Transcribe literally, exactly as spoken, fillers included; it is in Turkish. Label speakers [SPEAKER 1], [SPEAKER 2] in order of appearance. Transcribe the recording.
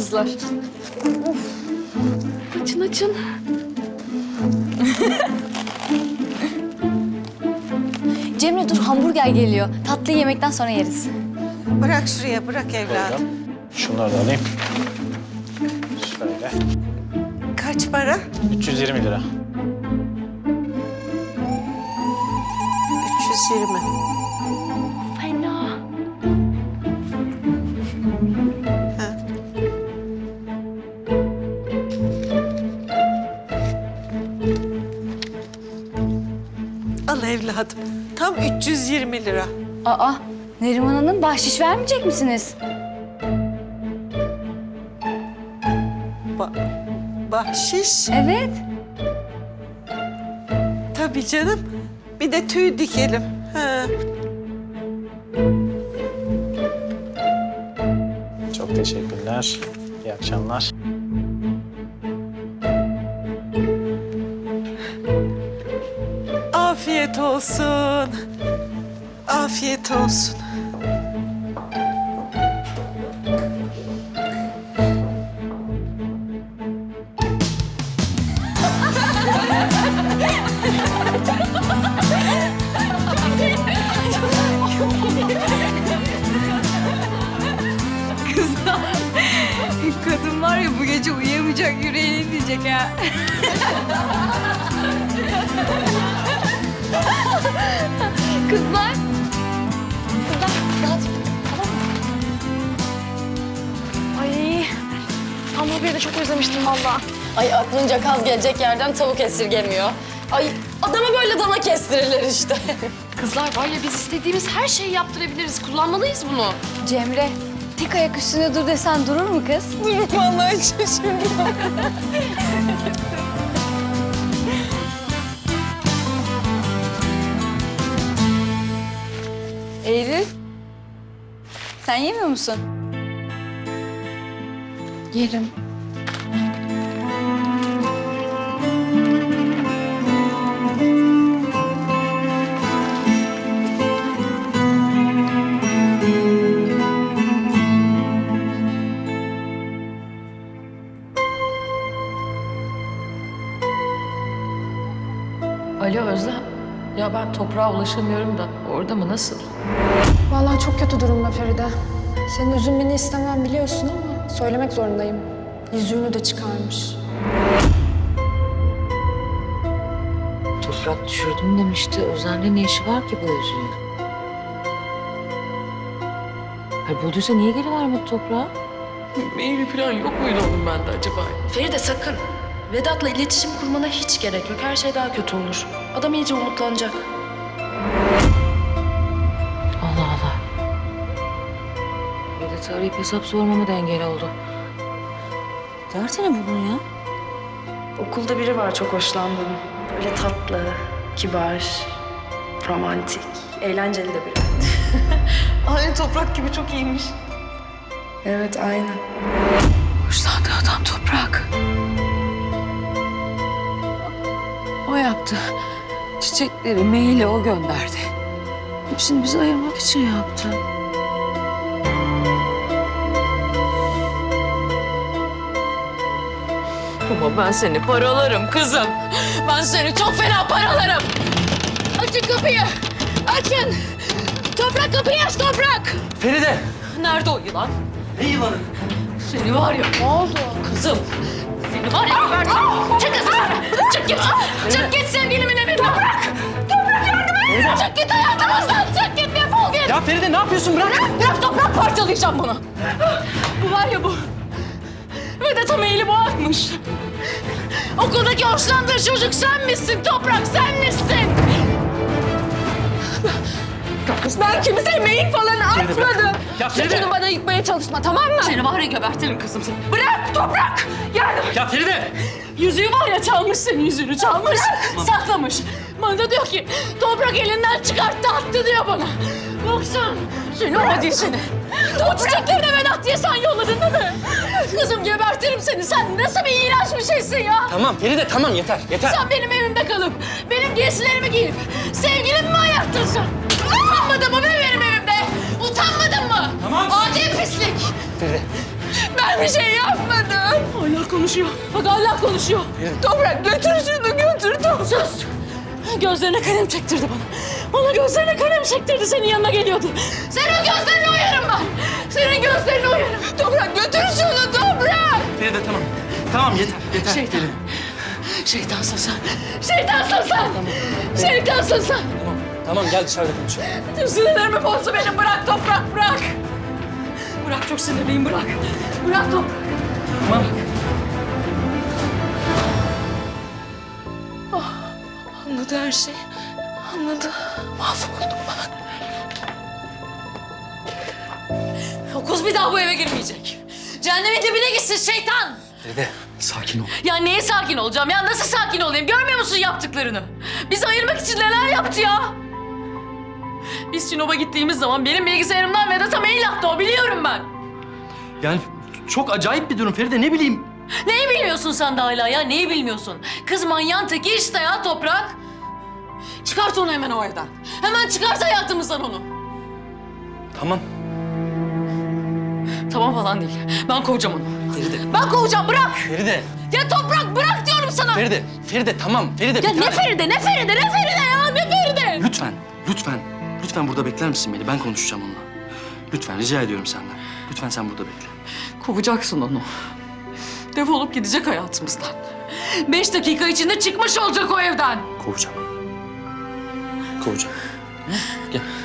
[SPEAKER 1] kızlar. Açın açın.
[SPEAKER 2] Cemre dur, hamburger geliyor. Tatlıyı yemekten sonra yeriz.
[SPEAKER 3] Bırak şuraya, bırak evladım.
[SPEAKER 4] Şunları da alayım. Şöyle.
[SPEAKER 3] Kaç para?
[SPEAKER 4] üç yüz yirmi lira.
[SPEAKER 3] üç yüz yirmi.
[SPEAKER 1] Fena.
[SPEAKER 3] Al evladım. Tam üç yüz yirmi lira.
[SPEAKER 2] Aa, Neriman Hanım bahşiş vermeyecek misiniz?
[SPEAKER 3] Ba bahşiş.
[SPEAKER 2] Evet.
[SPEAKER 3] Tabii canım. Bir de tüy dikelim. Ha.
[SPEAKER 4] Çok teşekkürler. İyi akşamlar.
[SPEAKER 3] Afiyet olsun. Afiyet olsun.
[SPEAKER 1] Kadın var ya bu gece uyuyamayacak, yüreğini diyecek ha. Kızlar. Kızlar rahat. Tamam mı? Ay hamburgeri de çok özlemiştim vallahi.
[SPEAKER 5] Ay aklınca kaz gelecek yerden tavuk esirgemiyor. Ay adama böyle dana kestirilir işte.
[SPEAKER 1] Kızlar var ya biz istediğimiz her şeyi yaptırabiliriz. Kullanmalıyız bunu.
[SPEAKER 2] Cemre, tek ayak üstünde dur desen durur mu kız?
[SPEAKER 5] Durun vallahi şaşırdım.
[SPEAKER 2] Eylül, sen yemiyor musun?
[SPEAKER 1] Yerim.
[SPEAKER 6] Alo Özlem. Ya ben toprağa ulaşamıyorum da orada mı nasıl?
[SPEAKER 7] Vallahi çok kötü durumda Feride. Senin üzülmeni istemem biliyorsun ama söylemek zorundayım. Yüzüğünü de çıkarmış.
[SPEAKER 8] Toprak düşürdüm demişti. Özlem'le ne işi var ki bu yüzüğün? Hayır, bulduysa niye geri vermedi toprağa?
[SPEAKER 6] Maili falan yok muydu onun bende acaba?
[SPEAKER 1] Feride sakın. Vedat'la iletişim kurmana hiç gerek yok. Her şey daha kötü olur. Adam iyice umutlanacak.
[SPEAKER 8] Allah Allah. Vedat'ı arayıp hesap sormama da engel oldu. Derdi ne bunun ya?
[SPEAKER 1] Okulda biri var çok hoşlandığım. Böyle tatlı, kibar, romantik, eğlenceli de biri.
[SPEAKER 5] Aynı toprak gibi çok iyiymiş.
[SPEAKER 1] Evet, aynı.
[SPEAKER 8] Hoşlandığı adam toprak. O yaptı. Çiçekleri, maili o gönderdi. Hepsini bizi ayırmak için yaptı. Ama ben seni paralarım kızım. Ben seni çok fena paralarım. Açın kapıyı. Açın. Toprak kapıyı aç Toprak.
[SPEAKER 9] Feride!
[SPEAKER 8] Nerede o yılan?
[SPEAKER 9] Ne yılanı?
[SPEAKER 8] Seni var ya. Ne oldu? Kızım. Seni var ya gebertirim. Çık kızım. Çık git. Çık git sevgilimin evinden. Toprak. Toprak yardım et. Çık git hayatımızdan. Çık git defol git.
[SPEAKER 9] Ya Feride ne yapıyorsun? Bırak!
[SPEAKER 8] Bırak Toprak, parçalayacağım bunu. Bu var ya bu. Vedat'a maili bu atmış. Okuldaki hoşlandığı çocuk sen misin Toprak, sen misin? Ben kimseye mail falan atmadım.
[SPEAKER 9] Ya Feride!
[SPEAKER 8] Sakın bana yıkmaya çalışma, tamam mı? Seni var ya gebertirim kızım seni. Bırak Toprak! Yardım et.
[SPEAKER 9] Ya Feride!
[SPEAKER 8] Yüzüğü var ya çalmış senin yüzüğünü çalmış. Saklamış. Bana da diyor ki Toprak elinden çıkarttı attı diyor bana. Baksana seni adi seni. O çiçekleri de Vedat diye sen yolladın değil mi? Kızım gebertirim seni. Sen nasıl bir iğrenç bir şeysin ya?
[SPEAKER 9] Tamam Feride tamam yeter yeter.
[SPEAKER 8] Sen benim evimde kalıp benim giysilerimi giyip sevgilimi mi ayarttın sen? Utanmadın mı be benim evimde? Utanmadın mı?
[SPEAKER 9] Tamam.
[SPEAKER 8] Adi pislik.
[SPEAKER 9] Feride.
[SPEAKER 8] Ben Ben bir şey yapmadım. Hala konuşuyor. Bak hala konuşuyor. Toprak götür şunu götür Toprak. Sus. Gözlerine kalem çektirdi bana. Bana gözlerine kalem çektirdi, senin yanına geliyordu. Senin gözlerine uyarım ben. Senin gözlerine uyarım. Toprak götür şunu Toprak.
[SPEAKER 9] Feride tamam. Tamam yeter yeter.
[SPEAKER 8] Şeytan.
[SPEAKER 9] Feride.
[SPEAKER 8] Şeytansın sen. Şeytansın sen. Şeytansın sen.
[SPEAKER 9] Tamam. Tamam gel dışarıda konuşalım.
[SPEAKER 8] Tüm sinirlerimi bozdu benim. Bırak Toprak, bırak. Bırak, çok sinirliyim, bırak. Bırak Toprak.
[SPEAKER 9] Tamam.
[SPEAKER 8] Anladı her şeyi. Anladı. Mahvoldum ben. O kız bir daha bu eve girmeyecek. Cehennemin dibine gitsin şeytan.
[SPEAKER 9] Feride sakin ol.
[SPEAKER 8] Ya neye sakin olacağım ya? Nasıl sakin olayım? Görmüyor musun yaptıklarını? Bizi ayırmak için neler yaptı ya? Biz Sinop'a gittiğimiz zaman benim bilgisayarımdan Vedat'a mail attı o, biliyorum ben.
[SPEAKER 9] Yani çok acayip bir durum Feride, ne bileyim.
[SPEAKER 8] Neyi bilmiyorsun sen de hala ya? Neyi bilmiyorsun? Kız manyağın teki işte ya Toprak. Çıkart onu hemen o evden. Hemen çıkart hayatımızdan onu.
[SPEAKER 9] Tamam.
[SPEAKER 8] Tamam falan değil. Ben kovacağım onu.
[SPEAKER 9] Feride.
[SPEAKER 8] Ben kovacağım, bırak.
[SPEAKER 9] Feride.
[SPEAKER 8] Ya Toprak bırak diyorum sana.
[SPEAKER 9] Feride. Feride tamam. Feride.
[SPEAKER 8] Ya
[SPEAKER 9] bir
[SPEAKER 8] ne
[SPEAKER 9] tane-
[SPEAKER 8] Feride, ne Feride, ne Feride ya? Ne Feride?
[SPEAKER 9] Lütfen. Lütfen. Lütfen burada bekler misin beni? Ben konuşacağım onunla. Lütfen rica ediyorum senden. Lütfen sen burada bekle.
[SPEAKER 8] Kovacaksın onu. Defolup gidecek hayatımızdan. Beş dakika içinde çıkmış olacak o evden.
[SPEAKER 9] Kovacağım. Kovacağım. Hı? Gel.